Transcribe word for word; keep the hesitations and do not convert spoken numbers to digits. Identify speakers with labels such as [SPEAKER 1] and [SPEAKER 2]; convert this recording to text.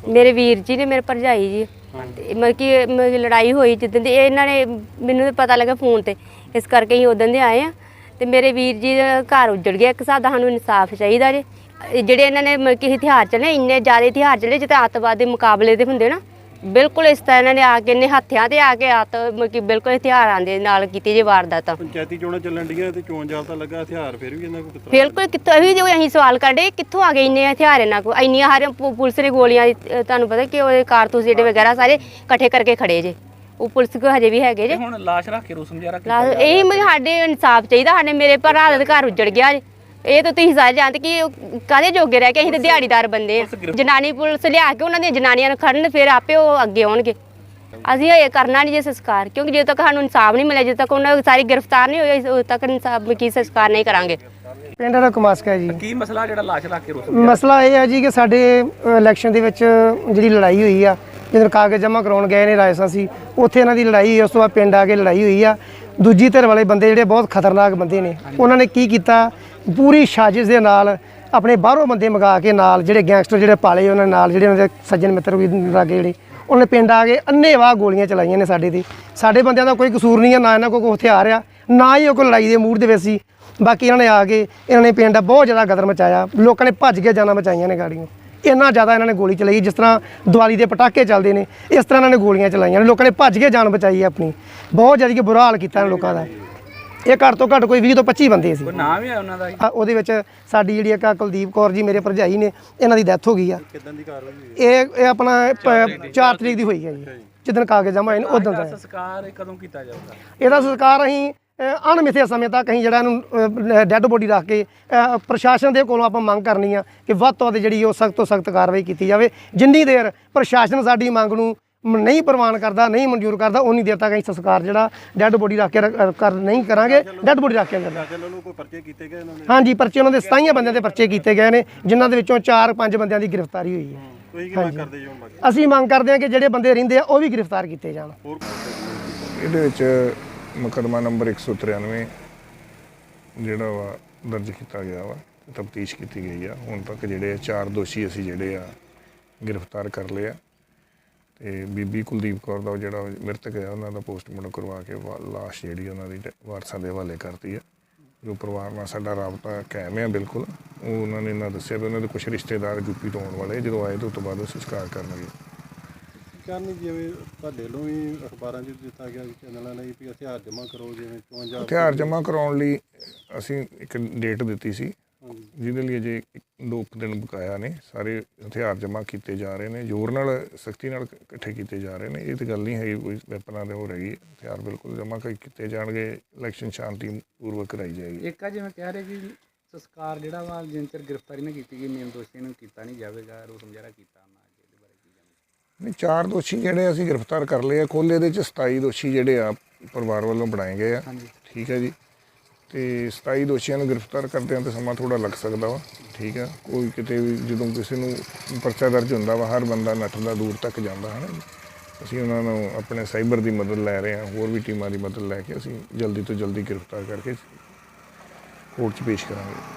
[SPEAKER 1] ਮੇਰੇ ਵੀਰ ਜੀ ਨੇ, ਮੇਰੇ ਭਰਜਾਈ ਜੀ। ਮਤਲਬ ਕਿ ਮਤਲਬ ਲੜਾਈ ਹੋਈ ਜਿੱਦਣ ਦੀ, ਇਹਨਾਂ ਨੇ ਮੈਨੂੰ ਪਤਾ ਲੱਗਾ ਫੋਨ ਤੇ, ਇਸ ਕਰਕੇ ਅਸੀਂ ਉਦੋਂ ਦੇ ਆਏ ਆ। ਤੇ ਮੇਰੇ ਵੀਰ ਜੀ ਦਾ ਘਰ ਉੱਜੜ ਗਿਆ। ਇੱਕ ਹਿਸਾਬ ਦਾ ਸਾਨੂੰ ਇਨਸਾਫ ਚਾਹੀਦਾ ਜੇ। ਜਿਹੜੇ ਇਹਨਾਂ ਨੇ ਮਤਲਬ ਕਿ ਹਥਿਆਰ ਚੱਲੇ, ਇੰਨੇ ਜ਼ਿਆਦਾ ਹਥਿਆਰ ਚੱਲੇ ਜਿੱਤੇ ਅੱਤਵਾਦ ਦੇ ਮੁਕਾਬਲੇ ਦੇ ਹੁੰਦੇ ਨਾ, ਬਿਲਕੁਲ ਇਸ ਤਰ੍ਹਾਂ ਇਹਨਾਂ ਨੇ ਆ ਕੇ ਇੰਨੇ ਹੱਥਿਆਂ ਤੇ ਆ ਕੇ ਅੱਤ ਮਤਲਬ ਕਿ ਬਿਲਕੁਲ ਹਥਿਆਰਾਂ ਦੇ ਨਾਲ ਕੀਤੀ ਜੇ ਵਾਰਦਾਤਾਂ।
[SPEAKER 2] ਪੰਚਾਇਤੀ ਚੋਣਾਂ ਚੱਲਣ ਡੀਆਂ ਤੇ ਚੋਣ ਜਾਬਤਾ ਲੱਗਾ, ਹਥਿਆਰ ਫਿਰ ਵੀ ਇਹਨਾਂ ਕੋਲ ਕਿਤਰਾ
[SPEAKER 1] ਬਿਲਕੁਲ ਕਿੱਥੋਂ ਵੀ ਜੋ ਅਸੀਂ ਸਵਾਲ ਕਰਦੇ ਕਿੱਥੋਂ ਆ ਗਏ ਇੰਨੇ ਹਥਿਆਰ ਇਹਨਾਂ ਕੋਲ, ਇੰਨੀਆਂ ਹਰ ਪੁਲਿਸ ਨੇ ਗੋਲੀਆਂ ਤੁਹਾਨੂੰ ਪਤਾ ਕਿ ਉਹਦੇ ਕਾਰਤੂਸ ਜਿਹੜੇ ਵਗੈਰਾ ਸਾਰੇ ਇਕੱਠੇ ਕਰਕੇ ਖੜੇ ਜੇ। ਉਹ ਪੁਲਿਸ ਕੋ ਹਜੇ ਵੀ ਹੈਗੇ ਜੇ।
[SPEAKER 3] ਹੁਣ ਲਾਸ਼ ਰੱਖ ਕੇ ਰੋਸ ਮੁਜ਼ਾਹਰਾ
[SPEAKER 1] ਕੀਤਾ ਇਹੀ ਮੈਂ ਸਾਡੇ ਇਨਸਾਫ ਚਾਹੀਦਾ। ਸਾਡੇ ਮੇਰੇ ਭਰਾ ਦਾ ਘਰ ਉੱਜੜ ਗਿਆ ਜੇ। ਇਹ ਤਾਂ ਤੁਸੀਂ ਸਾਰੇ ਜਾਣਦੇ ਕਿ ਕਾਹਦੇ ਜੋਗੇ ਰਹਿ ਕੇ, ਅਸੀਂ ਤਾਂ ਦਿਹਾੜੀਦਾਰ ਬੰਦੇ ਆ। ਜਨਾਨੀ ਪੁਲਿਸ ਲਿਆ ਕੇ ਉਹਨਾਂ ਦੀਆਂ ਜਨਾਨੀਆਂ ਨੂੰ ਖੜਨ, ਫਿਰ ਆਪੇ ਉਹ ਅੱਗੇ ਆਉਣਗੇ। ਅਸੀਂ ਇਹ ਕਰਨਾ ਨਹੀਂ ਜੇ ਸੰਸਕਾਰ, ਕਿਉਂਕਿ ਜਦੋਂ ਤੱਕ ਸਾਨੂੰ ਇਨਸਾਫ ਨਹੀਂ ਮਿਲਿਆ, ਜਦੋਂ ਤੱਕ ਉਹਨਾਂ ਸਾਰੀ ਗ੍ਰਿਫਤਾਰ ਨਹੀਂ ਹੋਈ, ਉਦੋਂ ਤੱਕ ਇਨਸਾਫ ਕੀ ਸੰਸਕਾਰ ਨਹੀਂ ਕਰਾਂਗੇ।
[SPEAKER 4] ਪਿੰਡ ਦਾ ਕਮਾਸਕਾ ਜੀ।
[SPEAKER 3] ਕੀ ਮਸਲਾ ਜਿਹੜਾ ਲਾਸ਼ ਰੱਖ ਕੇ ਰੋਸ
[SPEAKER 4] ਮਸਲਾ ਇਹ ਹੈ ਜੀ ਕਿ ਸਾਡੇ ਇਲੈਕਸ਼ਨ ਦੇ ਵਿੱਚ ਜਿਹੜੀ ਲੜਾਈ ਹੋਈ ਆ, ਜਦੋਂ ਕਾਗਜ਼ ਜਮ੍ਹਾਂ ਕਰਾਉਣ ਗਏ ਨੇ ਰਾਜਸਥਾਨ ਸੀ, ਉੱਥੇ ਇਹਨਾਂ ਦੀ ਲੜਾਈ ਹੋਈ। ਉਸ ਤੋਂ ਬਾਅਦ ਪਿੰਡ ਆ ਕੇ ਲੜਾਈ ਹੋਈ ਆ। ਦੂਜੀ ਧਿਰ ਵਾਲੇ ਬੰਦੇ ਜਿਹੜੇ ਬਹੁਤ ਖਤਰਨਾਕ ਬੰਦੇ ਨੇ, ਉਹਨਾਂ ਨੇ ਕੀ ਕੀਤਾ, ਪੂਰੀ ਸਾਜ਼ਿਸ਼ ਦੇ ਨਾਲ ਆਪਣੇ ਬਾਹਰੋਂ ਬੰਦੇ ਮੰਗਾ ਕੇ ਨਾਲ ਜਿਹੜੇ ਗੈਂਗਸਟਰ ਜਿਹੜੇ ਪਾਲੇ ਉਹਨਾਂ ਨਾਲ, ਜਿਹੜੇ ਉਹਨਾਂ ਦੇ ਸੱਜਣ ਮਿੱਤਰ ਵੀ ਲਾਗੇ ਜਿਹੜੇ, ਉਹਨੇ ਪਿੰਡ ਆ ਕੇ ਅੰਨ੍ਹੇਵਾਹ ਗੋਲੀਆਂ ਚਲਾਈਆਂ ਨੇ ਸਾਡੇ 'ਤੇ। ਸਾਡੇ ਬੰਦਿਆਂ ਦਾ ਕੋਈ ਕਸੂਰ ਨਹੀਂ ਆ, ਨਾ ਇਹਨਾਂ ਕੋਲ ਕੋਈ ਹਥਿਆਰ ਆ, ਨਾ ਹੀ ਉਹ ਕੋਈ ਲੜਾਈ ਦੇ ਮੂਡ ਦੇ ਵਿੱਚ ਸੀ। ਬਾਕੀ ਇਹਨਾਂ ਨੇ ਆ ਕੇ ਇਹਨਾਂ ਨੇ ਪਿੰਡ ਦਾ ਬਹੁਤ ਜ਼ਿਆਦਾ ਗਦਰ ਮਚਾਇਆ। ਲੋਕਾਂ ਨੇ ਭੱਜ ਕੇ ਜਾਨਾਂ ਬਚਾਈਆਂ ਨੇ ਗਾੜੀਆਂ। ਇੰਨਾ ਜ਼ਿਆਦਾ ਇਹਨਾਂ ਨੇ ਗੋਲੀ ਚਲਾਈ, ਜਿਸ ਤਰ੍ਹਾਂ ਦੀਵਾਲੀ ਦੇ ਪਟਾਕੇ ਚੱਲਦੇ ਨੇ ਇਸ ਤਰ੍ਹਾਂ ਇਹਨਾਂ ਨੇ ਗੋਲੀਆਂ ਚਲਾਈਆਂ ਨੇ। ਲੋਕਾਂ ਨੇ ਭੱਜ ਕੇ ਜਾਨ ਬਚਾਈ ਆਪਣੀ। ਬਹੁਤ ਜ਼ਿਆਦਾ ਕਿ ਬੁਰਾ ਹਾਲ ਕੀਤਾ ਲੋਕਾਂ ਦਾ। ਇਹ ਘੱਟ ਤੋਂ ਘੱਟ ਕੋਈ ਵੀਹ ਤੋਂ ਪੱਚੀ ਬੰਦੇ ਸੀ।
[SPEAKER 3] ਨਾਮ ਵੀ ਹੈ ਉਹਨਾਂ ਦਾ?
[SPEAKER 4] ਉਹਦੇ ਵਿੱਚ ਸਾਡੀ ਜਿਹੜੀ ਇੱਕ ਕੁਲਦੀਪ ਕੌਰ ਜੀ ਮੇਰੇ ਭਰਜਾਈ ਨੇ, ਇਹਨਾਂ ਦੀ ਡੈਥ ਹੋ ਗਈ ਆ।
[SPEAKER 2] ਕਿਦਾਂ ਦੀ ਕਾਰਵਾਈ ਹੋਈ?
[SPEAKER 4] ਇਹ ਇਹ ਆਪਣਾ ਚਾਰ ਤਰੀਕ ਦੀ ਹੋਈ ਹੈ ਜੀ, ਜਿੱਦਣ ਕਾਗਜ਼ ਜਮ੍ਹਾਂ ਹੋਏ ਨੇ ਉਦੋਂ ਦਾ।
[SPEAKER 3] ਸੰਸਕਾਰ ਕਦੋਂ ਕੀਤਾ ਜਾਊਗਾ?
[SPEAKER 4] ਇਹਦਾ ਸੰਸਕਾਰ ਅਸੀਂ ਅਣਮਿੱਥੇ ਸਮੇਂ ਤੱਕ ਅਸੀਂ ਜਿਹੜਾ ਇਹਨੂੰ ਡੈੱਡ ਬੋਡੀ ਰੱਖ ਕੇ ਪ੍ਰਸ਼ਾਸਨ ਦੇ ਕੋਲੋਂ ਆਪਾਂ ਮੰਗ ਕਰਨੀ ਆ ਕਿ ਵੱਧ ਤੋਂ ਵੱਧ ਜਿਹੜੀ ਉਹ ਸਖਤ ਤੋਂ ਸਖਤ ਕਾਰਵਾਈ ਕੀਤੀ ਜਾਵੇ। ਜਿੰਨੀ ਦੇਰ ਪ੍ਰਸ਼ਾਸਨ ਸਾਡੀ ਮੰਗ ਨੂੰ ਨਹੀਂ ਪ੍ਰਵਾਨ ਕਰਦਾ, ਨਹੀਂ ਮਨਜ਼ੂਰ ਕਰਦਾ, ਉਨੀ ਦੇਰ ਤੱਕ ਅਸੀਂ ਸੰਸਕਾਰ ਜਿਹੜਾ ਡੈੱਡ ਬੋਡੀ ਰੱਖ ਕੇ ਕਰ ਨਹੀਂ ਕਰਾਂਗੇ। ਡੈੱਡ ਬੋਡੀ ਰੱਖ ਕੇ ਕਰਨਾ।
[SPEAKER 2] ਕੋਈ ਪਰਚੇ ਕੀਤੇ ਗਏ ਇਹਨਾਂ ਦੇ?
[SPEAKER 4] ਹਾਂਜੀ, ਪਰਚੇ ਉਹਨਾਂ ਦੇ ਸਤਾਈਆਂ ਬੰਦਿਆਂ ਦੇ ਪਰਚੇ ਕੀਤੇ ਗਏ ਨੇ, ਜਿਨ੍ਹਾਂ ਦੇ ਵਿੱਚੋਂ ਚਾਰ ਪੰਜ ਬੰਦਿਆਂ ਦੀ ਗ੍ਰਿਫਤਾਰੀ ਹੋਈ ਹੈ।
[SPEAKER 2] ਤੁਸੀਂ ਕੀ ਮੰਗ ਕਰਦੇ ਜੀ ਹੁਣ?
[SPEAKER 4] ਅਸੀਂ ਮੰਗ ਕਰਦੇ ਹਾਂ ਕਿ ਜਿਹੜੇ ਬੰਦੇ ਰਹਿੰਦੇ ਆ ਉਹ ਵੀ ਗ੍ਰਿਫਤਾਰ ਕੀਤੇ ਜਾਣ।
[SPEAKER 5] ਇਹਦੇ ਵਿੱਚ ਮੁਕੱਦਮਾ ਨੰਬਰ ਇੱਕ ਸੌ ਤਰਾਨਵੇਂ ਜਿਹੜਾ ਵਾ ਦਰਜ ਕੀਤਾ ਗਿਆ ਵਾ, ਤਫਤੀਸ਼ ਕੀਤੀ ਗਈ ਆ। ਹੁਣ ਤੱਕ ਜਿਹੜੇ ਚਾਰ ਦੋਸ਼ੀ ਅਸੀਂ ਜਿਹੜੇ ਆ ਗ੍ਰਿਫਤਾਰ ਕਰ ਲਏ ਆ। ਤੇ ਬੀਬੀ ਕੁਲਦੀਪ ਕੌਰ ਦਾ ਜਿਹੜਾ ਮ੍ਰਿਤਕ ਹੈ, ਉਹਨਾਂ ਦਾ ਪੋਸਟਮਾਰਟਮ ਕਰਵਾ ਕੇ ਲਾਸ਼ ਜਿਹੜੀ ਉਹਨਾਂ ਦੀ ਵਾਰਸਾਂ ਦੇ ਹਵਾਲੇ ਕਰਤੀ ਆ। ਜੋ ਪਰਿਵਾਰ ਨਾਲ ਸਾਡਾ ਰਾਬਤਾ ਕਾਇਮ ਹੈ ਬਿਲਕੁਲ। ਉਹ ਉਹਨਾਂ ਨੇ ਇਹਨਾਂ ਦੱਸਿਆ ਵੀ ਉਹਨਾਂ ਦੇ ਕੁਛ ਰਿਸ਼ਤੇਦਾਰ ਯੂਪੀ ਤੋਂ ਆਉਣ ਵਾਲੇ, ਜਦੋਂ ਆਏ ਤਾਂ ਉਸ ਤੋਂ ਬਾਅਦ ਉਹ ਸੰਸਕਾਰ ਕਰਨਗੇ।
[SPEAKER 2] ਕਰਨ ਜਿਵੇਂ ਤੁਹਾਡੇ ਵੱਲੋਂ ਵੀ ਅਖਬਾਰਾਂ 'ਚ ਦਿੱਤਾ ਗਿਆ ਚੈਨਲਾਂ ਲਈ ਵੀ ਹਥਿਆਰ ਜਮ੍ਹਾਂ ਕਰੋ, ਜਿਵੇਂ ਚੋਣ ਜਾਬਤਾ
[SPEAKER 5] ਹਥਿਆਰ ਜਮ੍ਹਾਂ ਕਰਾਉਣ ਲਈ ਅਸੀਂ ਇੱਕ ਡੇਟ ਦਿੱਤੀ ਸੀ, ਜਿਹਦੇ ਲਈ ਅਜੇ ਦੋ ਕੁ ਦਿਨ ਬਕਾਇਆ ਨੇ। ਸਾਰੇ ਹਥਿਆਰ ਜਮ੍ਹਾਂ ਕੀਤੇ ਜਾ ਰਹੇ ਨੇ, ਜ਼ੋਰ ਨਾਲ ਸਖਤੀ ਨਾਲ ਇਕੱਠੇ ਕੀਤੇ ਜਾ ਰਹੇ ਨੇ। ਇਹ ਤਾਂ ਗੱਲ ਨਹੀਂ ਹੈਗੀ ਕੋਈ ਵੈਪਨਾਂ ਦੇ ਹੋ ਰਹੀ। ਹਥਿਆਰ ਬਿਲਕੁਲ ਜਮ੍ਹਾਂ ਕੀਤੇ ਜਾਣਗੇ। ਇਲੈਕਸ਼ਨ ਸ਼ਾਂਤੀ ਪੂਰਵਕ ਕਰਾਈ ਜਾਏਗੀ।
[SPEAKER 3] ਇੱਕ ਆ ਜਿਵੇਂ ਕਹਿ ਰਹੇ ਕਿ ਸੰਸਕਾਰ ਜਿਹੜਾ ਵਾ ਜਿੰਨ ਚਿਰ ਗ੍ਰਿਫਤਾਰੀ ਨਾ ਕੀਤੀ ਗਈ, ਮੇਨ ਦੋਸ਼ੀ ਨੂੰ ਕੀਤਾ ਨਹੀਂ ਜਾਵੇਗਾ, ਰੋਸ ਮੁਜ਼ਾਹਰਾ ਕੀਤਾ ਨਾ। ਇਹਦੇ ਬਾਰੇ ਕੀ ਜਾਣਦੇ?
[SPEAKER 5] ਨਹੀਂ, ਚਾਰ ਦੋਸ਼ੀ ਜਿਹੜੇ ਅਸੀਂ ਗ੍ਰਿਫਤਾਰ ਕਰ ਲਏ ਆ। ਕੁੱਲ ਇਹਦੇ 'ਚ ਸਤਾਈ ਦੋਸ਼ੀ ਜਿਹੜੇ ਆ ਪਰਿਵਾਰ ਵੱਲੋਂ ਬਣਾਏ ਗਏ ਆ। ਠੀਕ ਹੈ ਜੀ। ਤੇ ਸਤਾਈ ਦੋਸ਼ੀਆਂ ਨੂੰ ਗ੍ਰਿਫਤਾਰ ਕਰਦਿਆਂ ਤਾਂ ਸਮਾਂ ਥੋੜ੍ਹਾ ਲੱਗ ਸਕਦਾ ਵਾ। ਠੀਕ ਆ, ਕੋਈ ਕਿਤੇ ਵੀ ਜਦੋਂ ਕਿਸੇ ਨੂੰ ਪਰਚਾ ਦਰਜ ਹੁੰਦਾ ਵਾ, ਹਰ ਬੰਦਾ ਨੱਠਦਾ ਦੂਰ ਤੱਕ ਜਾਂਦਾ ਹੈ ਨਾ। ਅਸੀਂ ਉਹਨਾਂ ਨੂੰ ਆਪਣੇ ਸਾਈਬਰ ਦੀ ਮਦਦ ਲੈ ਰਹੇ ਹਾਂ, ਹੋਰ ਵੀ ਟੀਮਾਂ ਦੀ ਮਦਦ ਲੈ ਕੇ ਅਸੀਂ ਜਲਦੀ ਤੋਂ ਜਲਦੀ ਗ੍ਰਿਫਤਾਰ ਕਰਕੇ ਕੋਰਟ 'ਚ ਪੇਸ਼ ਕਰਾਂਗੇ।